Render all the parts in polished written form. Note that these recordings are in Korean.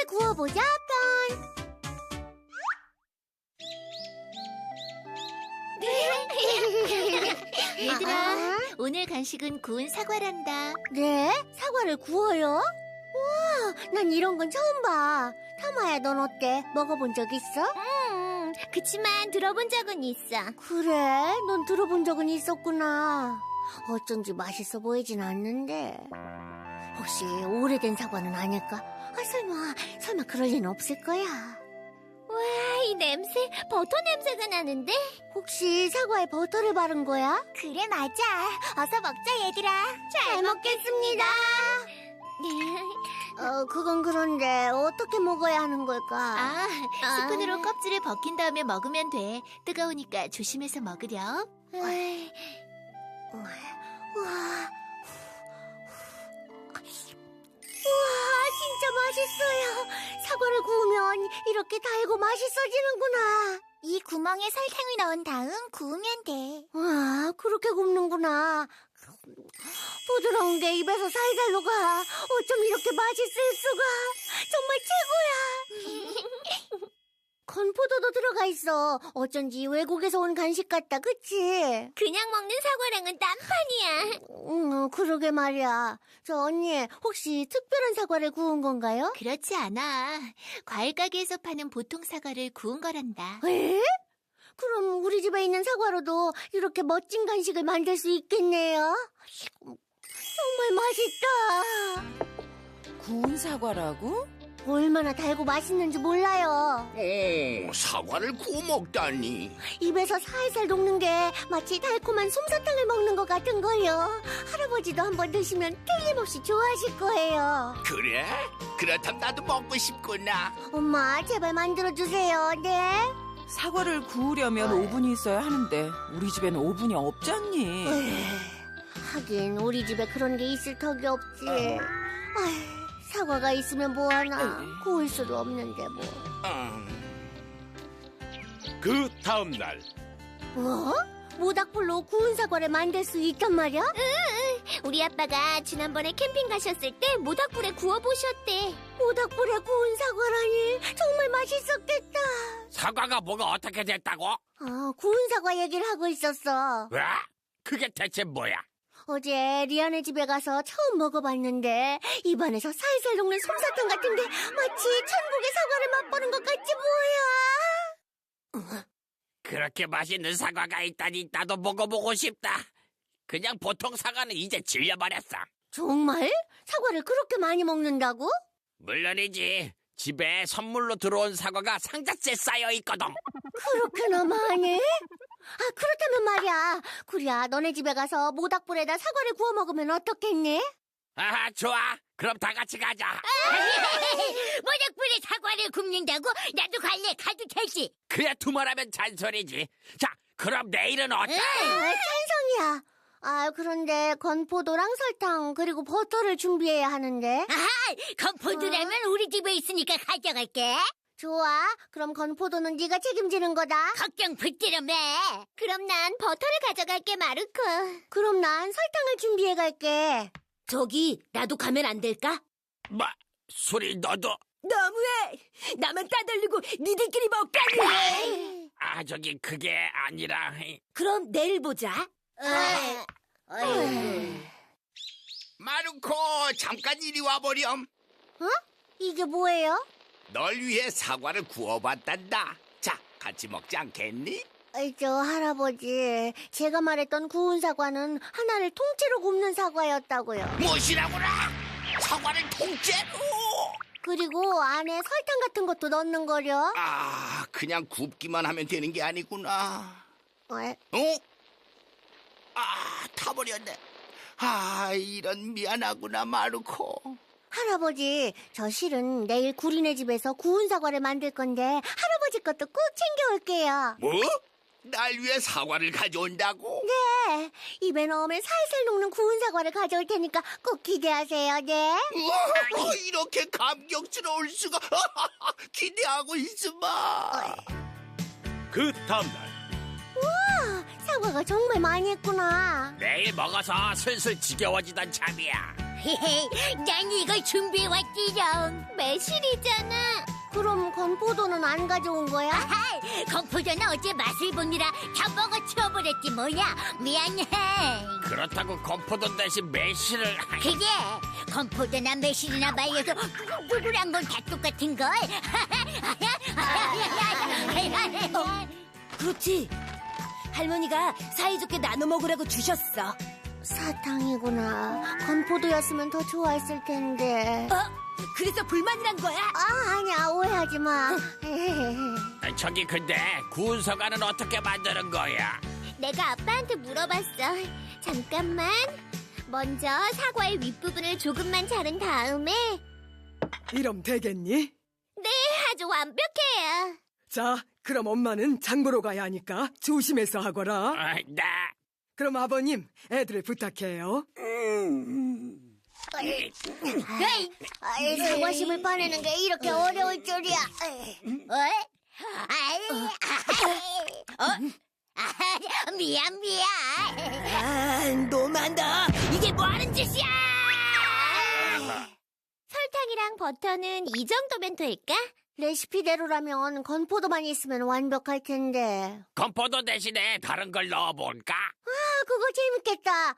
구워보자 편. 얘들아, 오늘 간식은 구운 사과란다. 네? 사과를 구워요? 우와, 난 이런 건 처음 봐. 타마야, 넌 어때? 먹어본 적 있어? 그치만 들어본 적은 있어. 그래? 넌 들어본 적은 있었구나. 어쩐지 맛있어 보이진 않는데. 혹시 오래된 사과는 아닐까? 설마 그럴 리는 없을 거야. 와, 이 냄새, 버터 냄새가 나는데? 혹시 사과에 버터를 바른 거야? 그래, 맞아. 어서 먹자, 얘들아. 잘 먹겠습니다. 그건 그런데 어떻게 먹어야 하는 걸까? 스푼으로 껍질을 벗긴 다음에 먹으면 돼. 뜨거우니까 조심해서 먹으렴. 우와, 진짜 맛있어요. 사과를 구우면 이렇게 달고 맛있어지는구나. 이 구멍에 설탕을 넣은 다음 구우면 돼. 와, 그렇게 굽는구나. 부드러운 게 입에서 살살 녹아. 어쩜 이렇게 맛있을 수가. 정말 최고야. 건포도도 들어가 있어. 어쩐지 외국에서 온 간식 같다, 그치? 그냥 먹는 사과랑은 딴판이야. 그러게 말이야. 저 언니, 혹시 특별한 사과를 구운 건가요? 그렇지 않아. 과일 가게에서 파는 보통 사과를 구운 거란다. 에? 그럼 우리 집에 있는 사과로도 이렇게 멋진 간식을 만들 수 있겠네요. 정말 맛있다. 구운 사과라고? 얼마나 달고 맛있는지 몰라요. 오, 사과를 구워 먹다니. 입에서 살살 녹는 게 마치 달콤한 솜사탕을 먹는 것 같은 거요. 할아버지도 한번 드시면 틀림없이 좋아하실 거예요. 그래? 그렇다면 나도 먹고 싶구나. 엄마, 제발 만들어주세요. 네? 사과를 구우려면 오븐이 있어야 하는데 우리 집엔 오븐이 없잖니. 하긴 우리 집에 그런 게 있을 턱이 없지. 사과가 있으면 뭐하나. 구울 수도 없는데 뭐. 그 다음날 뭐? 모닥불로 구운 사과를 만들 수 있단 말이야? 우리 아빠가 지난번에 캠핑 가셨을 때 모닥불에 구워보셨대. 모닥불에 구운 사과라니 정말 맛있었겠다. 사과가 뭐가 어떻게 됐다고? 구운 사과 얘기를 하고 있었어. 왜? 그게 대체 뭐야? 어제 리안의 집에 가서 처음 먹어봤는데 입안에서 살살 녹는 솜사탕 같은 게 마치 천국의 사과를 맛보는 것 같지 뭐야. 그렇게 맛있는 사과가 있다니 나도 먹어보고 싶다. 그냥 보통 사과는 이제 질려버렸어. 정말? 사과를 그렇게 많이 먹는다고? 물론이지. 집에 선물로 들어온 사과가 상자째 쌓여 있거든. 그렇게나 많이? 그렇다면 말이야. 구리야, 너네 집에 가서 모닥불에다 사과를 구워 먹으면 어떻겠니? 아하, 좋아. 그럼 다 같이 가자. 모닥불에 사과를 굽는다고? 나도 갈래. 가도 되지. 그야 두말하면 잔소리지. 자, 그럼 내일은 어때? 찬성이야. 그런데 건포도랑 설탕 그리고 버터를 준비해야 하는데. 건포도라면 우리 집에 있으니까 가져갈게. 좋아. 그럼 건포도는 네가 책임지는 거다. 걱정 붙들어 매. 그럼 난 버터를 가져갈게, 마르코. 그럼 난 설탕을 준비해 갈게. 저기, 나도 가면 안 될까? 뭐, 소리 너도? 너무해! 나만 따돌리고 니들끼리 먹다니! 저기 그게 아니라. 그럼 내일 보자. 마루코, 잠깐 이리 와보렴. 이게 뭐예요? 널 위해 사과를 구워봤단다. 자, 같이 먹지 않겠니? 저 할아버지, 제가 말했던 구운 사과는 하나를 통째로 굽는 사과였다고요. 무엇이라고라? 사과를 통째로? 그리고 안에 설탕 같은 것도 넣는 거려. 그냥 굽기만 하면 되는 게 아니구나. 타버렸네. 이런 미안하구나, 마루코. 할아버지, 저 실은 내일 구리네 집에서 구운 사과를 만들 건데 할아버지 것도 꼭 챙겨올게요. 뭐? 날 위해 사과를 가져온다고? 네, 입에 넣으면 살살 녹는 구운 사과를 가져올 테니까 꼭 기대하세요, 네. 우와, 이렇게 감격스러울 수가. 기대하고 있으마. 그 다음날 사과가 정말 많이 했구나. 내일 먹어서 슬슬 지겨워지던 참이야. 난 이걸 준비해왔지롱. 매실이잖아. 그럼 건포도는 안 가져온 거야? 건포도는 어제 맛을 보느라 다 먹어치워버렸지 뭐야. 미안해. 그렇다고 건포도 대신 매실을. 그게 건포도나 매실이나 말려서 꿀꿀한 건 다 똑같은걸. 그렇지. 할머니가 사이좋게 나눠 먹으라고 주셨어. 사탕이구나. 건포도였으면 더 좋아했을 텐데. 그래서 불만이란 거야? 아니야, 오해하지 마. 저기 근데 구운 사과는 어떻게 만드는 거야? 내가 아빠한테 물어봤어. 잠깐만. 먼저 사과의 윗부분을 조금만 자른 다음에 이럼 되겠니? 아주 완벽해요. 자, 그럼 엄마는 장 보러 가야 하니까 조심해서 하거라. 네. 그럼 아버님, 애들을 부탁해요. 사과심을 빠내는 게 이렇게 어려울 줄이야. 미안. 너무한다. 이게 뭐하는 짓이야? 설탕이랑 버터는 이 정도면 될까? 레시피대로라면 건포도만 있으면 완벽할 텐데. 건포도 대신에 다른 걸 넣어볼까? 그거 재밌겠다.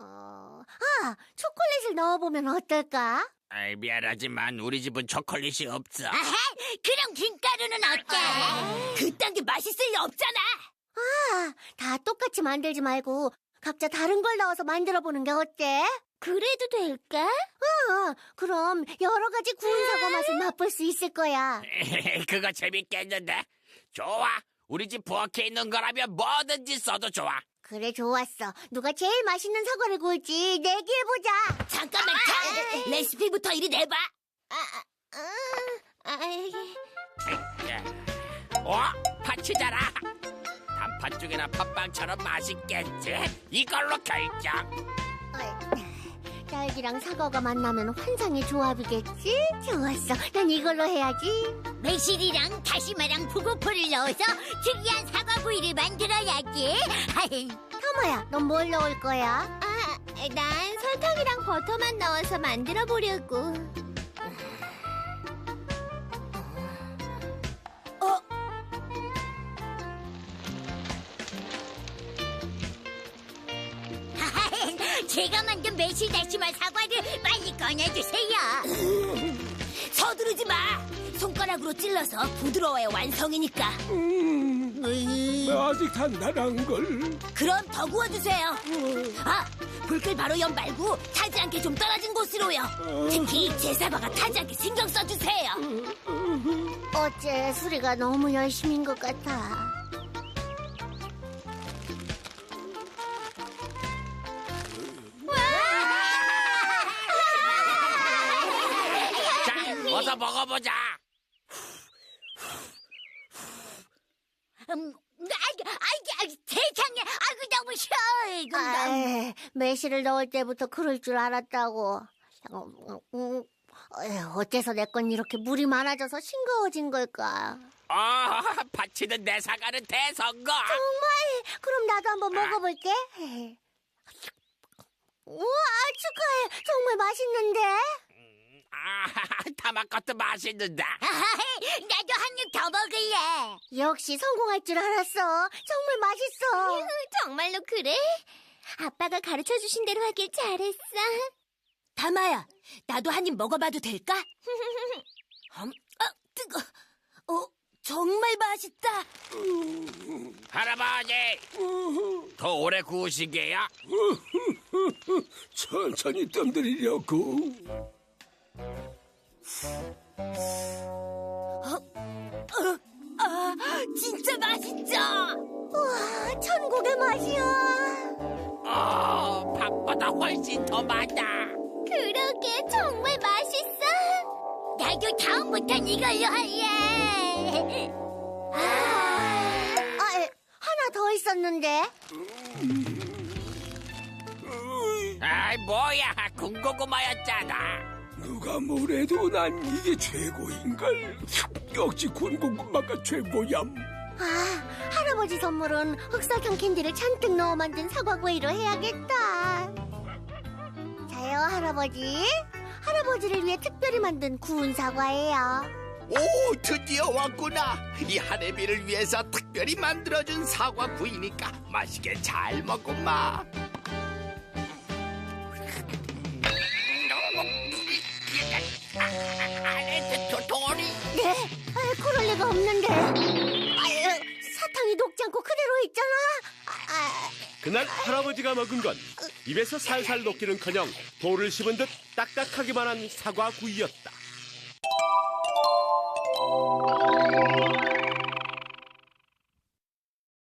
초콜릿을 넣어보면 어떨까? 아이, 미안하지만 우리 집은 초콜릿이 없어. 그럼 김가루는 어때? 그딴 게 맛있을 리 없잖아. 다 똑같이 만들지 말고 각자 다른 걸 넣어서 만들어보는 게 어때? 그래도 될까? 그럼 여러 가지 구운 사과 맛을 맛볼 수 있을 거야. 그거 재밌겠는데? 좋아. 우리 집 부엌에 있는 거라면 뭐든지 써도 좋아. 그래, 좋았어. 누가 제일 맛있는 사과를 구울지 내기해보자. 잠깐만, 레시피부터 이리 내봐. 파치잖아. 단팥 죽이나 팥빵처럼 맛있겠지. 이걸로 결정. 딸기랑 사과가 만나면 환상의 조합이겠지? 좋았어. 난 이걸로 해야지. 매실이랑 다시마랑 북어포를 넣어서 특이한 사과구이를 만들어야지. 타마야, 넌 뭘 넣을 거야? 난 설탕이랑 버터만 넣어서 만들어 보려고. 제가 만든 매실 다시마 사과를 빨리 꺼내주세요. 서두르지 마. 손가락으로 찔러서 부드러워야 완성이니까. 아직 단단한 걸. 그럼 더 구워주세요. 불길 바로 옆 말고 타지 않게 좀 떨어진 곳으로요. 특히 제 사과가 타지 않게 신경 써주세요. 어째 수리가 너무 열심인 것 같아. 자, 어서 먹어보자. 세상에, 너무 쉬워. 매실을 넣을 때부터 그럴 줄 알았다고. 어째서 내 건 이렇게 물이 많아져서 싱거워진 걸까? 파치는 내 사과는 대성공. 정말? 그럼 나도 한번 먹어볼게. 우와, 축하해. 정말 맛있는데? 타마 것도 맛있는데. 나도 한 입 더 먹을래. 역시 성공할 줄 알았어. 정말 맛있어. 정말로 그래? 아빠가 가르쳐주신 대로 하길 잘했어. 다마야, 나도 한 입 먹어봐도 될까? 뜨거. 정말 맛있다. 할아버지, 더 오래 구우시게요? 천천히 뜸들이려고. 진짜 맛있죠? 우와, 천국의 맛이야. 밥보다 훨씬 더 많아. 그러게, 정말 맛있어. 나도 다음부턴 이걸로 할래. 하나 더 있었는데. 아이, 뭐야, 군고구마였잖아. 누가 뭐래도 난 이게 최고인걸. 역시 군고구마가 최고얌. 할아버지 선물은 흑설탕 캔디를 잔뜩 넣어 만든 사과구이로 해야겠다. 잘 이거요, 할아버지. 할아버지를 위해 특별히 만든 구운 사과예요. 오, 드디어 왔구나. 이 할애비를 위해서 특별히 만들어준 사과 구이니까 맛있게 잘 먹고마. 안에 도토리. 네? 그럴 리가 없는데. 사탕이 녹지 않고 그대로 있잖아. 그날 할아버지가 먹은 건 입에서 살살 녹기는커녕 돌을 씹은 듯 딱딱하기만 한 사과 구이였다.